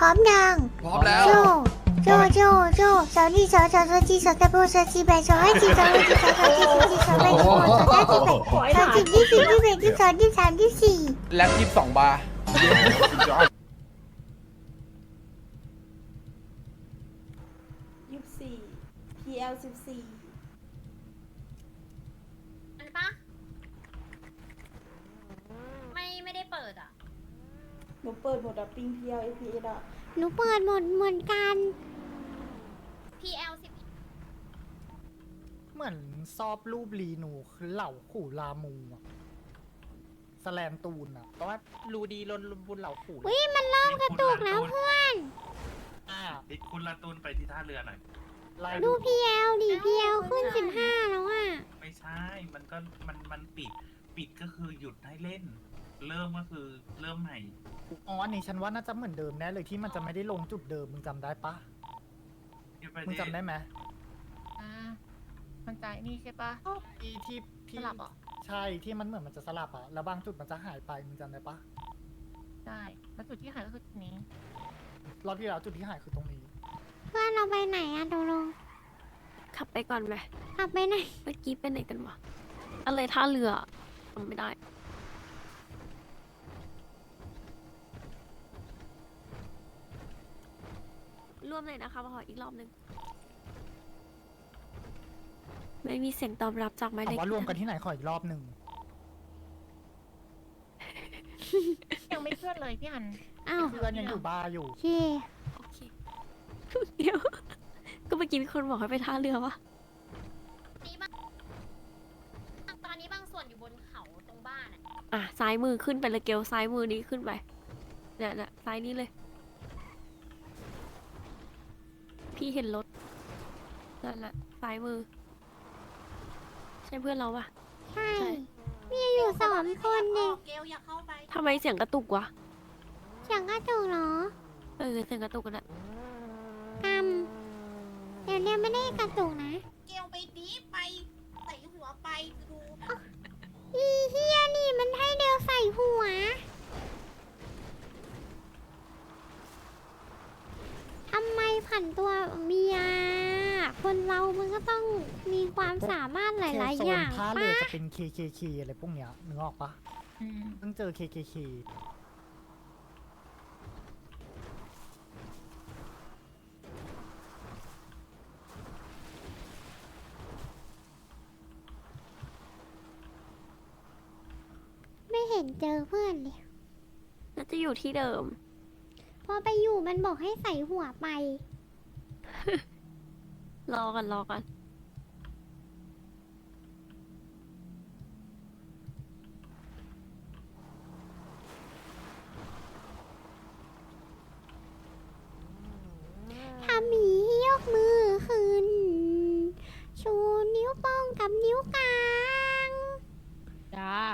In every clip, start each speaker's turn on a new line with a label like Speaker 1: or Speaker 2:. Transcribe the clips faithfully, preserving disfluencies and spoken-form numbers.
Speaker 1: ร้อมยัง
Speaker 2: พร้อมแล้ว
Speaker 1: โจโจโจโจสาวนี่สาวสาวสาวจีสาวตะโบสาวจีแบสาวให้จีสาวให้จีสาวสาวจีสาวจีสาวแบสาวสาวจีแบสาวจีที่สี่ที่แบที่สองที่สามที่สี่
Speaker 2: แล็บยี่สิบสองบาร์
Speaker 3: ยี่สิบสี่ พี แอล สิบสี่
Speaker 4: อันปะไม่ไม่ได้เปิดอ่ะ
Speaker 3: หนูเปิดหมดอะปิง พี แอล เอ พี เอส อะ
Speaker 1: หนูเปิดหมดเหมือนกัน
Speaker 4: พี แอล สิบ
Speaker 5: เหมือนซอบรูปลีนูคือเหล่าขู่ลามูอะสแลมตูนอะแต่ว่ารูดีลนบุญเหล่าขู่
Speaker 1: วิมันเริ่มกระตุกแล้วเพื่อน
Speaker 5: อ่า
Speaker 6: ติดคุณละตูนไปที่ท่าเรือหน่อย
Speaker 5: ไล่
Speaker 1: ดู พี แอล ดิ พี แอล ขึ้นสิบห้าแล้วอ่ะ
Speaker 6: ไม่ใช่ มันก็มันมันปิด ปิดก็คือหยุดให้เล่น เริ่มก็คือเริ่มใหม่
Speaker 5: อ๋ออันนี้ฉันว่าน่าจะเหมือนเดิมแน่เลยที่มันจะไม่ได้ลงจุดเดิมมึงจำได้ปะมึงจำได้ไหม
Speaker 7: อ่ามันใจนี่ใช่ปะ
Speaker 5: ที่ที่ที่
Speaker 7: สลับเหรอ
Speaker 5: ใช่ที่มันเหมือนมันจะสลับอะแล้วบางจุดมันจะหายไปมึงจำได้ปะ
Speaker 7: ใช่แล้วจุดที่หายก็คือจุดนี้
Speaker 5: รอบที่แล้วจุดที่หายคือตรงนี้
Speaker 1: เพื่อนเราไปไหนอะโดโล
Speaker 8: ขับไปก่อนไหม
Speaker 1: ขับไปไหน
Speaker 8: เมื่อกี้ไปไหนกันวะอะไรท่าเรือจำไม่ได้ ร่วมเลยนะคะขออีกรอบหนึ่งไม่มีเสียงตอบรับจากหมาย
Speaker 5: ถา
Speaker 8: เล
Speaker 5: ม
Speaker 8: ข
Speaker 5: ว่ารวมกันที่ไหนขออีกรอบหนึ่ง
Speaker 7: ยังไม่เคลื่อนเลยพี่อัน
Speaker 1: อ้าว
Speaker 5: เพื่อนยังอยู่บาร์อยู่
Speaker 1: โอเค
Speaker 8: โอเคเดี๋ยว ก็เมื่อกี้มีคนบอกให้ไปท่าเรือวะ
Speaker 4: นี้บ้างตอนนี้บางส่วนอยู่บนเขาตรงบ้านอ่ะ
Speaker 8: อ่ะซ้ายมือขึ้นไปเลยเกลซ้ายมือนี้ขึ้นไปเนี่ยเนี่ยซ้ายนี้เลย พี่เห็นรถนั่นแหละซ้ายมือ ใช่เพื่อนเราปะ
Speaker 1: ใช่
Speaker 8: ใช่
Speaker 1: มีอยู่สองคนเอง
Speaker 4: เกลอย่าเข้าไป
Speaker 8: ทำไมเสียงกระตุกวะ
Speaker 1: เสียงกระตุกเหรอ
Speaker 8: เออเสียงกระตุกกันอะ
Speaker 1: กำเดี๋ยวเนี้ยไม่ได้กระตุกนะ
Speaker 4: เกลไปดีไปใส่หัวไปดู
Speaker 1: อีเฮียนี่มันให้เดวใส่หัว ทำไมผันตัวเมีย คนเรามันก็ต้องมีความสามารถหลาย
Speaker 5: โซ
Speaker 1: ๆ อน ย่าง
Speaker 5: ท่าเรือ
Speaker 1: ปะ
Speaker 5: จะเป็น เค เค เค อะไรพวกเนี้ยนึกออกปะ
Speaker 7: อืม
Speaker 5: เพิ่งเจอ เค เค เค
Speaker 1: ไม่เห็นเจอเพื่อนเลย
Speaker 8: น่าจะอยู่ที่เดิม
Speaker 1: พอไปอยู่มันบอกให้ใส่หัวไป
Speaker 8: รอกันรอกัน
Speaker 1: ถ้ามียกมือขึ้น ชูนิ้วโป้งกับนิ้วกลาง
Speaker 9: จ้า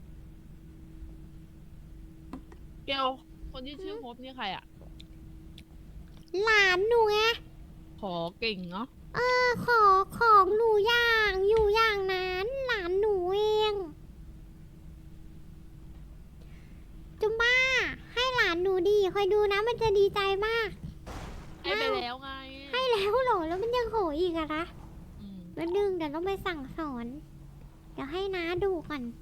Speaker 9: เกลคนที่ชื่อโฮปนี่ใครอ่ะ
Speaker 1: หลานหนูไง
Speaker 9: ขอเก่งเนาะ
Speaker 1: เออขอของหนูอย่างอยู่อย่างนั้นหลานหนูเองจุมบ้า ให้หลานหนูดีคอยดูนะมันจะดีใจมาก
Speaker 9: ให้ไปแล้วไง
Speaker 1: ให้แล้วเหรอแล้วมันยังโหยอีกอะนะ
Speaker 9: อืม
Speaker 1: แล้วดึงเดี๋ยวต้องไปสั่งสอน เดี๋ยวให้น้าดูก่อน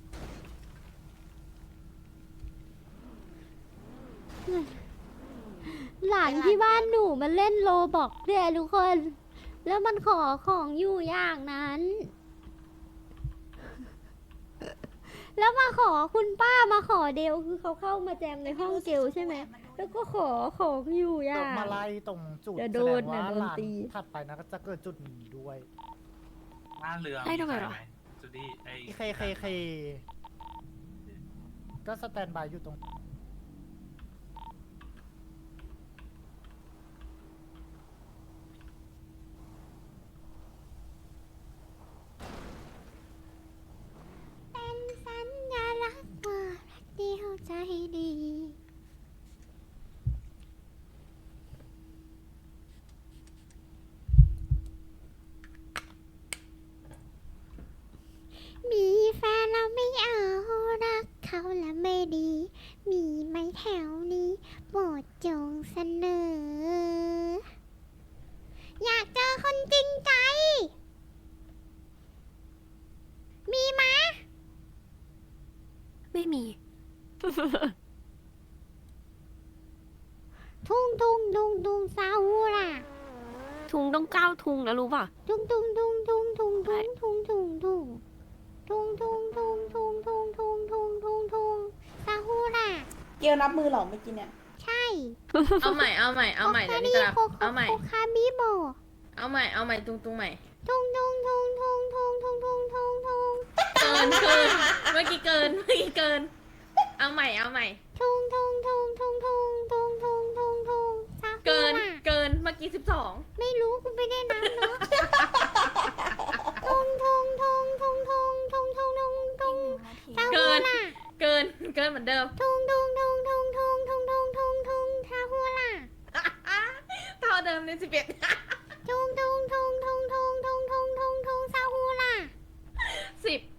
Speaker 1: หลานที่บ้านหนูมันเล่นโลบอกเนี่ยทุกคน แล้วมันขอของอยู่อย่างนั้น แล้วมาขอคุณป้ามาขอเดลคือเขาเข้ามาแจมในห้องเกลใช่ไหม แล้วก็ขอของอยู่อ
Speaker 5: ต
Speaker 1: ย่าก ง
Speaker 5: มาไล่ตรงจุด
Speaker 1: เดี๋ยว
Speaker 5: แส
Speaker 1: โด
Speaker 5: ด
Speaker 1: น
Speaker 5: งว่า
Speaker 1: นะโดน
Speaker 5: ลาน
Speaker 1: ตี
Speaker 5: ถัดไปนะก็จะเกิดจุดนี้ด้วย
Speaker 6: ท่าเรือ
Speaker 8: ได้ทำไมวะ
Speaker 6: จูดี้ไอ้
Speaker 5: เคเคเคก็สแตนบายอยู่ตรง
Speaker 1: เป็นสัญลักษณ์ว่ารักเดียวใจดี มีแฟนแล้วไม่เอารักเขาแล้วไม่ดี มีจงเสนอ อยากเจอคนจริงใจ มีไหม
Speaker 8: ไม่มี
Speaker 1: ทุ่งทุ่งทุ่งทุ่งซาฮูล่ะ
Speaker 8: ทุงต้องเก้าทุงนะรู้ป่ะ
Speaker 1: ทุ่งทุ่งทุ่งทุ่งทุ่งทุ่งทุ่งทุ่งทุ่งทุ่งทุ่งทุ่งทุ่งทุ่งทุ่งทุ่งทุ่งทุ่งซาฮูล่ะ
Speaker 3: เกลนับมือเหรอเมื่อกี้เนี่ย
Speaker 1: ใช่
Speaker 2: เอาใหม่ เอาใหม่ เอาใหม่ เดี๋ยวนี้จะรับ
Speaker 1: โคค
Speaker 2: เอาใหม่
Speaker 1: โคคาบิโบ
Speaker 2: เอาใหม่ เอาใหม่ตุงตุงใหม่
Speaker 1: ทุ่งทุ่งทุ่งทุ่งทุ่งทุ่งทุ่งทุ่งทุ่ง
Speaker 2: เกินเกิน เมื่อกี้เกิน เมื่อกี้เกิน เอาใหม่ เอาใหม่
Speaker 1: ทุ่งทุ่งทุ่งทุ่งทุ่งทุ่งทุ่งทุ่งทุ่งซาฮู
Speaker 2: เกิน
Speaker 1: ล่ะ
Speaker 2: เกิน เมื่อกี้สิบสอง
Speaker 1: ไม่รู้กูไม่ได้นับเนาะทุ่งทุ่งทุ่งทุ่งทุ่งทุ่งทุ่งทุ่งทุ่งซาฮู
Speaker 2: เกิน
Speaker 1: ล่ะ
Speaker 2: เกิน เกินเหมือนเดิม
Speaker 1: ทุ่งทุ่งทุ่งทุ่งทุ่งทุ่งทุ่งทุ่งทุ่งซาฮูล่ะ
Speaker 2: เท่าเดิมเลยสิบเอ็ด
Speaker 1: ทุ่งทุ่งทุ่งทุ่งทุ่งทุ่งทุ่งทุ่งทุ่งซาฮูล่ะ
Speaker 2: สิบ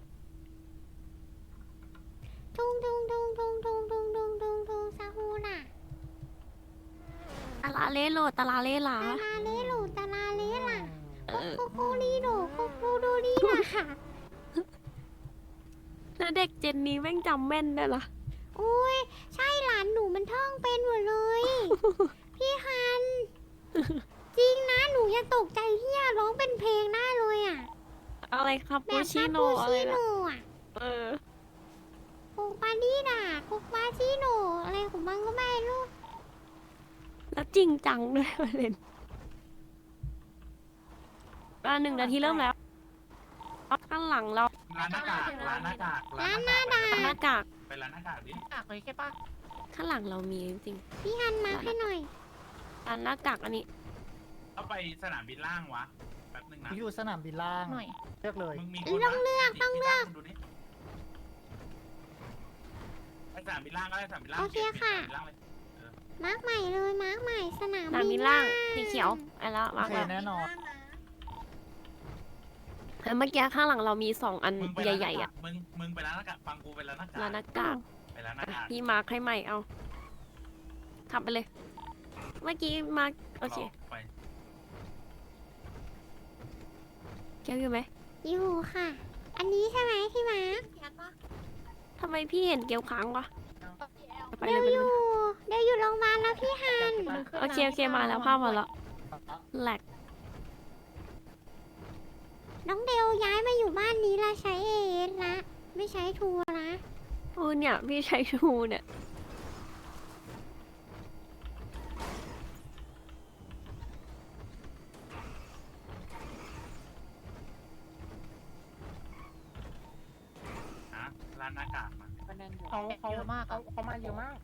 Speaker 1: ทุ่งทุ่งทุ่งทุ่งทุ่งทุ่งทุ่งทุ่งทุ่งซาฮูล่ะ
Speaker 8: ตาลาเล่โลตาลาเล่หลา
Speaker 1: ตาลาเลโลตาลาเลล่ะ
Speaker 8: เออ
Speaker 1: โคโคลีโดโคโคโดรีล่ะค่ะ
Speaker 8: แล้วเด็กเจนนี้แม่งจำแม่นได้ละ
Speaker 1: โอ้ยใช่หลานหนูมันท่องเป็นหมดเลย พี่ฮัน จริงนะหนูยังตกใจที่ยร้องเป็นเพลงได้เลยอ่ะ
Speaker 8: อะไรครับ
Speaker 1: แบ
Speaker 8: ปู
Speaker 1: บ
Speaker 8: ชิ
Speaker 1: ปา
Speaker 8: โน
Speaker 1: ปู
Speaker 8: อะไร
Speaker 1: ชิโน
Speaker 8: นะ
Speaker 1: อ่ะ
Speaker 8: เออ
Speaker 1: โคปาดีดาโคปาชิโนอะไรของมันก็ไม่รู้
Speaker 8: แล้วจริงจังด้วยประเด็นอ่ะหนึ่งนาทีเริ่มแล้วข้างหลังเรา
Speaker 6: ร้านหน้ากากร้านหน้ากาก
Speaker 1: ร้านหน้าดา
Speaker 8: หน้ากาก
Speaker 6: ไปร้านหน้ากากดิ
Speaker 7: ปากเลยใช่ปะ
Speaker 8: ข้างหลังเรามีจริง
Speaker 1: พี่ฮันมาให้หน่อย
Speaker 8: ๆอันหน้ากากอันนี้
Speaker 6: เอาไปสนามบินล่างวะ แป๊บนึงนะ
Speaker 5: อยู่สนามบินล่าง
Speaker 7: หน่อย
Speaker 5: เลือกเลย
Speaker 6: มึงมีคน
Speaker 1: ต้องเลือกต้องเลือก
Speaker 6: ดูดิไปสนามบินล่างก็ได้สนามบินล่าง
Speaker 1: โอเคค่ะ
Speaker 6: สนามบินล่างเลย
Speaker 1: มาร์กใหม่เลยมาร์กใหม่สนาม
Speaker 8: สนามบิ
Speaker 1: บิ
Speaker 8: น
Speaker 1: น
Speaker 8: ล่า
Speaker 1: ล่าง ง
Speaker 8: สีเขียวไอ้แล้ว
Speaker 5: โอ
Speaker 8: มา
Speaker 5: เค
Speaker 8: แล้ว
Speaker 5: แน่นอน
Speaker 8: แล้วเมื่อกี้ข้างหลังเรามีสองอัน
Speaker 6: มึงไป
Speaker 8: ใหญ่ๆอ่ะ
Speaker 6: มึงมึงไปร้านหน้ากากฟังกูไปร้านหน้ากาก
Speaker 8: ร้านหน้ากาก
Speaker 6: ไปร้านหน้ากาก
Speaker 8: พี่มาร์คให้ใหม่เอาขับไปเลย เมื่อกี้มาร์คโอเค
Speaker 6: ไป
Speaker 8: เกี่ยวอยู่ไหม
Speaker 1: อยู่ค่ะ อันนี้ใช่ไหมพี่มาร์ก
Speaker 8: ทำไมพี่เห็นเกี่ยวค้างวะไปเล
Speaker 1: เดี๋ย
Speaker 8: ยว ไป
Speaker 1: อ
Speaker 8: เลย
Speaker 1: ยู่เดี๋ยวอยู่โรงพยาบาลแล้วพี่ฮัน
Speaker 8: โอเคโอเคมาแล้วภาพมาแล้วแหลก
Speaker 1: น้องเดลย้ายมาอยู่บ้านนี้ละใช้เอเอสละไม่ใช้ทัวร์ละ
Speaker 8: โอ้เนี่ยพี่ใช้ชูเนี่ย
Speaker 6: นะร้านหน้ากากมา
Speaker 5: เขาเขา
Speaker 7: เยอะมาก
Speaker 5: เขาเขามาเยอะมาก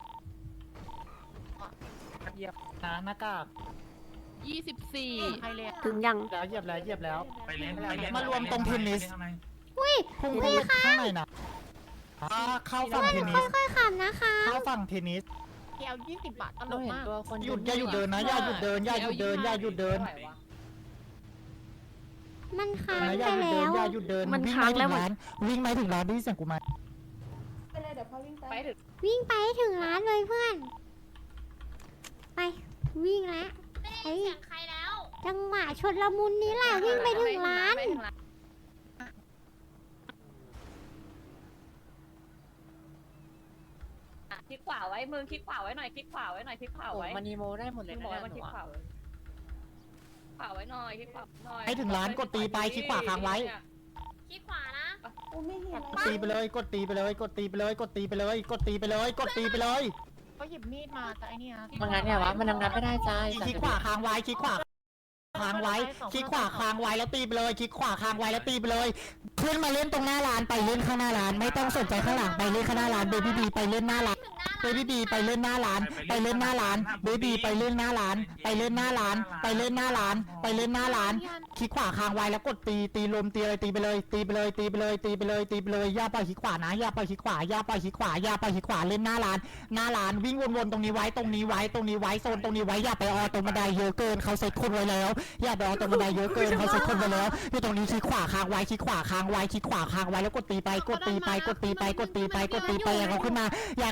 Speaker 5: เหยียบนะหน้ากาก
Speaker 9: ยี่สิบสี่
Speaker 7: ใครเลยอะ
Speaker 8: ถึงยัง
Speaker 5: แล้วเหยียบแล้วเหยียบแล้ว
Speaker 6: ไปเล่นไปเล่น
Speaker 5: มารวมตรงเทนนิส
Speaker 6: ไปล่ข้างใ
Speaker 1: อุ้ย
Speaker 5: พุ่งไปข้างในนะอ่าเข้าฝั่งเทนนิส
Speaker 1: ค่อยๆขับนะคะ
Speaker 5: เข้าฝั่งเทนนิส
Speaker 7: เกลยี่สิบบาทตลกมาก
Speaker 5: หยุดอย่าหยุดเดินนะอย่าหยุดเดินอย่าหยุดเดินอย่าหยุดเดิน
Speaker 1: มันค้าง
Speaker 5: นะอ
Speaker 1: ไป
Speaker 5: ย่าหยุด
Speaker 1: แล้
Speaker 5: เดิน
Speaker 1: ว
Speaker 5: อย่าหยุดเดิน
Speaker 8: มัน
Speaker 5: วิ่ง
Speaker 8: ค้าง
Speaker 5: ไป
Speaker 8: แล้
Speaker 5: ถึ
Speaker 8: ว
Speaker 5: งร้านวิ่งไปถึงร้านได้ยินเสียงกูไหม
Speaker 3: ไปเลยเดี๋ยวพ่อวิ่งไป
Speaker 9: ไปถึง
Speaker 1: วิ่งไปให้ถึงร้านเลยเพื่อน ไปวิ่งละ
Speaker 4: ไม่ได้ยินเสียงใครแล้ว
Speaker 1: จังหวะชนละมุนนี้แหละวิ่งไปถึงร้าน
Speaker 9: ไปถึงร้าน คลิกขวาไว้มือคลิกขวาไว้หน่อยคลิกขวาไว้หน่อยคลิกขวาไว้
Speaker 7: มันนีโมได้หมดเลย
Speaker 9: คลิก
Speaker 7: นะ
Speaker 9: ขวาไว้คลิกขวาไว้ขวาไว้หน่อยคลิกขวาหน่อย
Speaker 5: ให้ถึงร้านกดตีไปคลิกขวาค้างไว้
Speaker 4: คลิกขวานะ
Speaker 3: โอ้ไม่เห็น
Speaker 5: กดตีไปเลยกดตีไปเลยกดตีไปเลยกดตีไปเลยกดตีไปเลยกดตีไปเลย
Speaker 7: ก็หยิบมีดมาแต่ไอเนี่ย
Speaker 9: มันงั้นไงวะมันทำงานไม่ได้ใจ
Speaker 5: คลิกขวาค้างไว้คลิกขวาค้างไว้คลิกขวาค้างไว้แล้วตีไปเลยคลิกขวาค้างไว้แล้วตีไปเลยขึ้นมาเล่นตรงหน้าร้านไปเล่นข้างหน้าร้านไม่ต้องสนใจข้างหลังไปเล่นข้างหน้าร้านเบบี้บีไปเล่นหน้าร้าน
Speaker 4: ถึงหน้า
Speaker 5: เบบี้บีไปเล่นหน้าร้านไปเล่นหน้าร้านเบบี้ไปเล่นหน้าร้านไปเล่นหน้าร้านไปเล่นหน้าร้านไปเล่นหน้าร้านคลิกขวาค้างไว้แล้วกดตีตีลมตีอะไรตีไปเลยตีไปเลยตีไปเลยตีไปเลยตีไปเลยอย่าปล่อยคลิกขวานะอย่าปล่อยคลิกขวาอย่าปล่อยคลิกขวาอย่าปล่อยคลิกขวาเล่นหน้าร้านหน้าร้านวิ่งวนๆตรงนี้ไว้ตรงนี้ไว้ตรงนี้ไว้โซนตรงนี้ไว้อย่าไปออตรงบันไดเยอะเกินเขาเซ็ตคนไว้แล้วอย่าไปออตรงบันไดเยอะเกินเขาเซ็ตคนไว้แล้วอยู่ตรงนี้คลิกขวาค้างไว้คลิกขวาค้างไว้คลิกขวาค้างไว้แล้วกดตีไปกดตีไปกดตีไปกดตีไปกดตีไปอย่าเขาขึ้นมาอย่าเขาขึ้นมา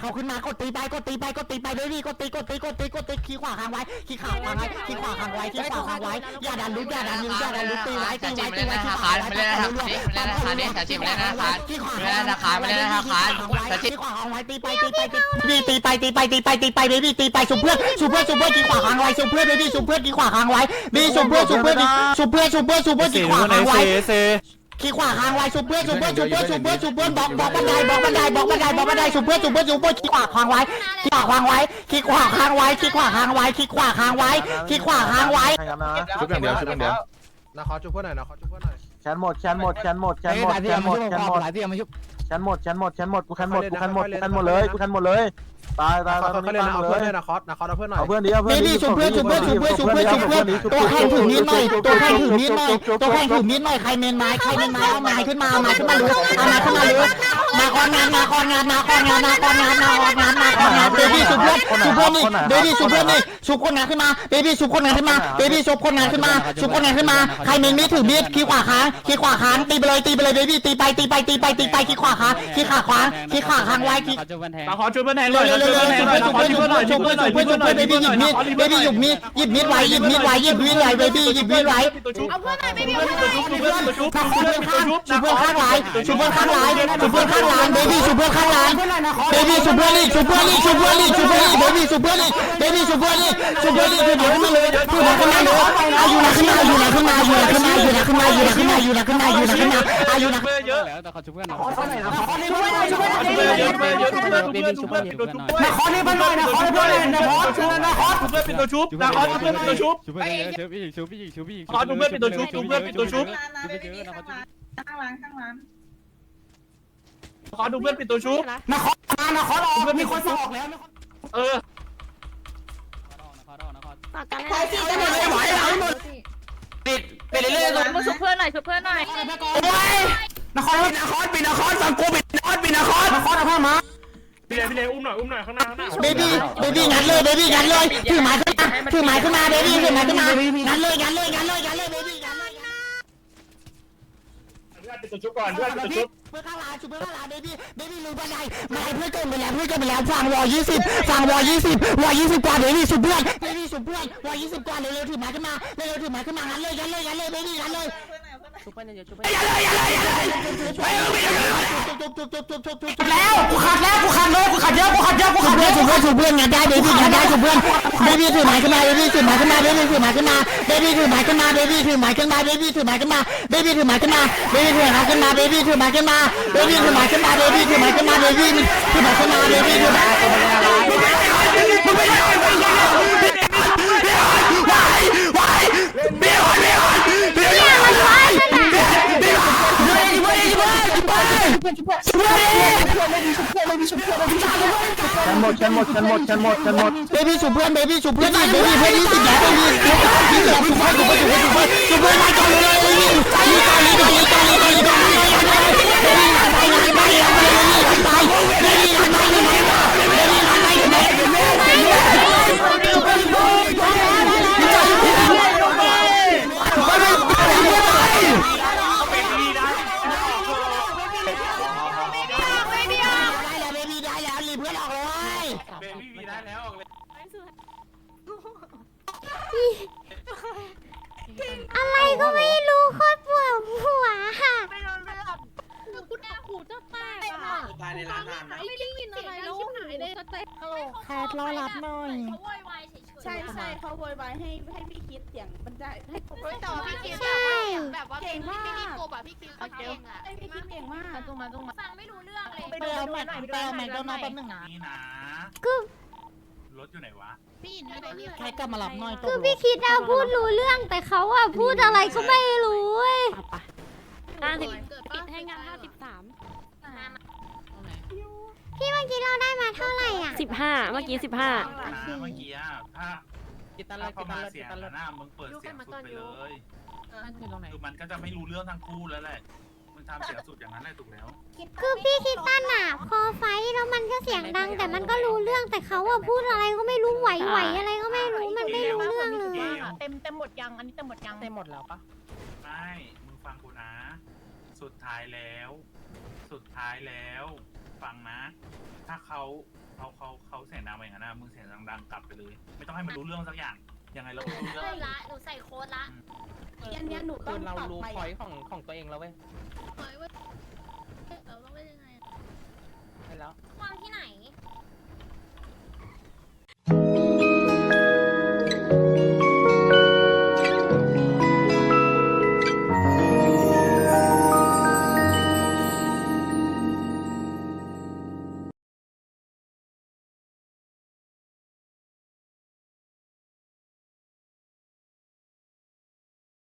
Speaker 5: กดตีไปกดตีไปกดตีไปเบบี้กดตีกดตีกดตีกดตีขี้ขวาค้างไว้ขี้ขวาค้างไว้ขี้ขวาค้างไว้ขี้ขวาค้างไว้อย่าดันลุกอย่าดันลุกอย่าดันลุกตีไว้ตีไว้ตีไว้ขี้ขวาไม่เล่นนะครับไม่เล่นนะครับนี่แต่ชิมไม่เล่นนะครับขี้ขวาไม่เล่นนะครับไม่เล่นนะครับแต่ขี้ขวาค้างไว้ตีไปตีไปตีตีไปตีไปตีไปตีไปเบบี้ตีไปสุเพื่อนสุเพื่อนสุเพื่อนขี้ขวาค้างไว้สุเพื่อนเบบี้สุเพื่อนขี้ขวาค้างไว้เบบี้สุเพื่อนสุเพื่อนสุเพื่อนสุเพื่อนสุเพื่อนขี้ขวาค้างไว้ขี้ขวาค้างไว้สุเพื่อนสุเพื่อนสุเพื่อนสุเพื่อนสุเพื่อนบอกบอกบันไดบอกบันไดบอกบันไดบอกบันไดสุเพื่อนสุเพื่อนสุเพื่อนขี้ขวาค้างไว้ขี้ขวาค้างไว้ขี้ขวาค้างไว้ขี้ขวาค้างไว้ขี้ขวาค้างไว้ขี้ขวาค้างไว้
Speaker 10: ชุบอย่างเดียวชุบอย่างเดียว
Speaker 11: นะขอชุบเพื่อนหน่อยนะขอชุบเพื่อนหน่อย
Speaker 10: แขนหมดแขนหมดแขนหมดแขนหมดแขนหมดแขนหมด
Speaker 5: หลายที่มาชุบ
Speaker 10: แขนหมดแขนหมดแขนหมดกูแขนหมดกูแขนหมดกูแขนหมดเลยกูแขนหมดเลยตายตาย
Speaker 11: ขอ
Speaker 10: ตาย
Speaker 11: เขาเล่นนะเอาเพื่อนเลยนะคอสนะคอสเอาเพื่อนหน่อย
Speaker 10: เอาเพื่อนดิเอา
Speaker 5: เบ
Speaker 10: เพื่อนดิ
Speaker 5: บี้สุเพื่อนสุเพื่อนสุเพื่อนสุเพื่อนสุเพื่อนตัวแข่งถือมีดหน่อยตัวแข่งถือมีดหน่อยตัวแข่งถือมีดหน่อยใครเมนไม้ใครเมนไม้เอาไม้ขึ้นมาเอาไม้ขึ้นมาดูเอาไม้ขึ้นมาดูมาคอนงานมาคอนงานมาคอนงานมาคอนงานมาคอนงานมาคอนงานเบบี้สุเพื่อนสุเพื่อนนี่เบบี้สุเพื่อนนี่สุคนงานขึ้นมาเบบี้สุคนงานขึ้นมาเบบี้สุคนงานขึ้นมาสุคนงานขึ้นมาใครเมนมีดถือมีดขี้ขวาค้างขี้ขวาค้างตีไปเลยตีไปเลยเบบี้ตีไปตีไปตีไปตีไปขี้ขวาค้างขี้ขาขวางขี้ขาค้างไว้ขี้
Speaker 6: มาขอช่วยเพื่อนแทนหน่อยช่วยเพื่อนแทนหน่อยขอช่วยเพื่อนหน่อยช่วยเพื่อนหน่อยช่วยเพื่อนหน่อย
Speaker 5: เบบี้หยิบมีดเบบี้หยิบมีดหยิบมีดไว้หยิบมีดไว้หยิบมีดไว้เบบี้หยิบมีดไว้
Speaker 9: เอาเพื่อนหน่อยไม่มี
Speaker 6: เพื่อนตัวชุบเพื่อนตัวชุบ
Speaker 5: ชูเพื่อนข้างชูเพื่อนข้างหลายชูเพื่อนข้างหลายชูเพื่อนข้างหลายเบบี้ชูเพื่อนข้างหลายเบบี้ชูเพื่อนนี่ชูเพื่อนนี่ชูเพื่อนนี่ชูเพื่อนนี่เบบี้ชูเพื่อนนี่เบบี้ชูเพื่อนนี่ชูเพื่อนนี่คือเดี๋ยวขึ้นมาเลยคือเดี๋ยวขึ้นมาเลยอายุนะขึ้นมาอายุนะขึ้นมาอายุนะขึ้นมาอายุนะขึ้นมาอายุนะขึ้นมาอายุนะขึ้นมาอายุนะขึ้นมาอายุนะ
Speaker 6: เพื่อนเยอะ
Speaker 11: แล้วแต่เขาชุบเพื่อนหน่อย
Speaker 6: เพื่อนเยอะเพื่อนเยอะเพื่อนเยอะเพื่อนเพื่อนเพื่อนเพื่อนเป็นตัวชุบด้วย
Speaker 5: ขอนี่เพื่อนหน่อยนะขอเพื่อนหน่อยนะขอชูนะขอ
Speaker 6: เพื่อนเป็นตัวชุบนะขอเพื่อนเป็นตัวชุบ
Speaker 11: ชุบเพื่อนเยอะชุบอีกชุบอีกชุบอีก
Speaker 6: ขอดูเพื่อนเป็นตัวชุบดูเพื่อนเป็นตัวชุบ
Speaker 11: ชุบเยอะนะเขาชุบ
Speaker 3: ข้างร้านข้างร้าน
Speaker 6: ขอดูเพื่อนเป็นตัวชุบ
Speaker 5: นะขอมานะขอรอมีคนสอกแล้ว
Speaker 6: เออ
Speaker 11: นะคอสนะคอส
Speaker 8: ต่อกัน
Speaker 3: ใคร
Speaker 8: แล้ว
Speaker 3: จีจะไม่ไหวแล้ว
Speaker 6: ปิดไปเรื่อยๆ
Speaker 2: มาชุบเพื่อนหน่อยชุบเพื่อนหน่อย
Speaker 5: โอ้ยนครนครปิดนครฟังกูปิดนครปิดนครนครเอาพ่อมา
Speaker 6: พี่เลพี่เลอุ้มหน่อยอุ้มหน่อยข้างหน้าข้างหน้า
Speaker 5: เบบี้เบบี้งัดเลยเบบี้งัดเลยถือไม้ขึ้นมาถือไม้ขึ้นมาเบบี้ถือไม้ขึ้นมางัดเลยงัดเลยงัดเลยงัดเลยเบบี้งัดเลย
Speaker 6: เพื่อนเป็นตัวชุบก่อนเพื่อนเป็นตัวชุบ
Speaker 5: เพื่อข้างหลังชุบเพื่อข้างหลังเบบี้เบบี้ลืมบันไดไม่ให้เพื่อนเกินไปแล้วเพื่อนเกินไปแล้วฟังวอยี่สิบฟังวอยี่สิบวอยี่สิบกว่าเบบี้ชุบเพื่อนเบบี้ชุบเพื่อนวอยี่สิบกว่าเร็วๆถือไม้ขึ้นมาเร็วๆถือไม้ขึ้นมางัดเลยงัดเลยงัดเลยเบบี้งัดเลย
Speaker 7: ชุบเพื่อนเยอะชุบ
Speaker 5: อย่าเลยอย่าเลยอย่าเลยจุบจุบจุบจุบจุบจุบจุบแล้วกูขัดแล้วกูขัดเลยกูขัดเยอะกูขัดเยอะกูขัดเยอะจุบเพื่อนจุบเพื่อนงัดได้เบบี้งัดได้จุบเพื่อนเบบี้ถือไม้ขึ้นมาเบบี้ถือไม้ขึ้นมาเบบี้ถือไม้ขึ้นมาเบบี้ถือไม้ขึ้นมาเบบี้ถือไม้ขึ้นมาเบบี้ถือไม้ขึ้นมาเบบี้ถือไม้ขึ้นมาเบบี้ถือไม้ขึ้นมาเบบี้ถือไม้ขึ้นมาเบบี้ถือไม้ขึ้นมาเบบี้ถือไม้ขึ้นมาเบบี้ถือไม้ขึ้นมาเบบี้ถือไม้มึงไม่ได้มึงไม่ได้วายวายเบี้ยวเบี้ยวเบี้ยวมันวายเบี้ยวเบี้ยวเบี้ยวเบี้ยวเบี้ยว
Speaker 10: แขนหมดแขนหมดแขนหมดแขนหมดแขนหมด
Speaker 5: เบบี้ชูเพื่อนเบบี้ชูเพื่อนเบบี้เพื่อนยี่สิบแล้วเบบี้ชูเพื่อนชูเพื่อนชูเพื่อนชูเพื่อนชูเพื่อนชูเพื่อนมาก่อนเลยเบบี้ลีก่อนลีก่อนลีก่อนลีก่อนลีก่อนลีก่อนเบบี้หันไปหันไปหันไปเบบี้หันไปเบบี้หันไปเบบี้หันไปเบบี้หันไปเบบี้หัน
Speaker 1: อะไรก็ไม่รู้โคตรปวดหัวค่ะ
Speaker 4: ไม่รู้เรื่องคุณแม่หูจะแตกอ่ะ
Speaker 11: ตายในร้านนานนะ
Speaker 4: ไม่ได้ยินอะไรแล้วหายเลยสเต็ป
Speaker 5: แคทรอรับหน่อย
Speaker 4: เขาโวยวายเฉยๆ
Speaker 3: ใช่ใช่เขาโวยวายให้ให้พี่คิดเสียงมันได้ให้ผม
Speaker 4: เฮ้ยแต่ว่าพี่คิด
Speaker 1: ใช่
Speaker 4: แบบว่าแบบว่าพี่ไม่มีโกบอะพี่คิดเขาเองอะ
Speaker 3: ไอพี่คิดเก่งมาก
Speaker 7: ตรงมาตรงมา
Speaker 4: ฟังไม่รู้เรื่องเลย
Speaker 5: ไปเอาแม็กไปเอาแม็กโดนัลด์แป๊บนึงนะ
Speaker 6: นี่นะ
Speaker 1: ก็
Speaker 6: รถอยู่ไหนวะ
Speaker 4: พี่ยินไม่ได้พี่
Speaker 5: แค่กลับมารับหน่อยต
Speaker 1: คือพี่คิดเอาพูดรู้เรื่องแต่เขาอะพูดอะไรก็ไม่รู้เว้ย
Speaker 8: ห้าสิบปิดให้งานห้าสิบสาม
Speaker 1: พี่เมื่อกี้เราได้มาเท่าไหร่อ่ะ
Speaker 8: สิบห้าเมื่อกี้สิบห้า
Speaker 6: นะเมื่อกี้อะถ้า
Speaker 11: กินตันเล
Speaker 6: ถ้าย
Speaker 11: กิ
Speaker 6: เข้าน
Speaker 11: ตั
Speaker 6: มาน
Speaker 11: เลย
Speaker 6: เสี
Speaker 11: กิ
Speaker 6: ย
Speaker 11: น
Speaker 6: ง
Speaker 11: ตันเลย
Speaker 6: หน้ามึงเปิดเสียงสุดไปเลย
Speaker 7: นั่นคือตรงไหน
Speaker 6: คือมันก็จะไม่รู้เรื่องทั้งคู่แล้วแหละมึงทำเสียงสุดอย่างนั้นแหละถูกแล้ว
Speaker 1: คือพี่คิดตั้นอะพอไฟท์แล้วมันก็เสียงดัง แต่มันก็รู้เรื่องแต่เขาอะพูดอะไรก็ไม่รู้ไหวๆอะไรก็ไม่รู้มันไม่รู้เรื่องเลย
Speaker 7: เต็มเต็มหมดยังอันนี้เต็มหมดยัง
Speaker 5: เต็มหมดแล้วปะ
Speaker 6: ไม่มึงฟังกูนะ สสุดท้ายแล้ว สุดท้ายแล้ว ฟังนะ ถ้าเขาเขาเขาเขาเสียงดังไปอย่างนั้นนะมึงเสียงดังๆกลับไปเลย ไม่ต้องให้มันรู้เรื่องสักอย่าง ยังไงเราก็รู้เรื่
Speaker 4: เริ่
Speaker 6: อง
Speaker 4: มละหนูใส่โค้ดละ
Speaker 3: อันเนี้ยหนูต้
Speaker 11: คือ อง เรา
Speaker 3: ปรับ
Speaker 11: รู้
Speaker 3: ไป
Speaker 11: พอยต์ของของตัวเองแล้วเว้ย
Speaker 3: เฮ้ย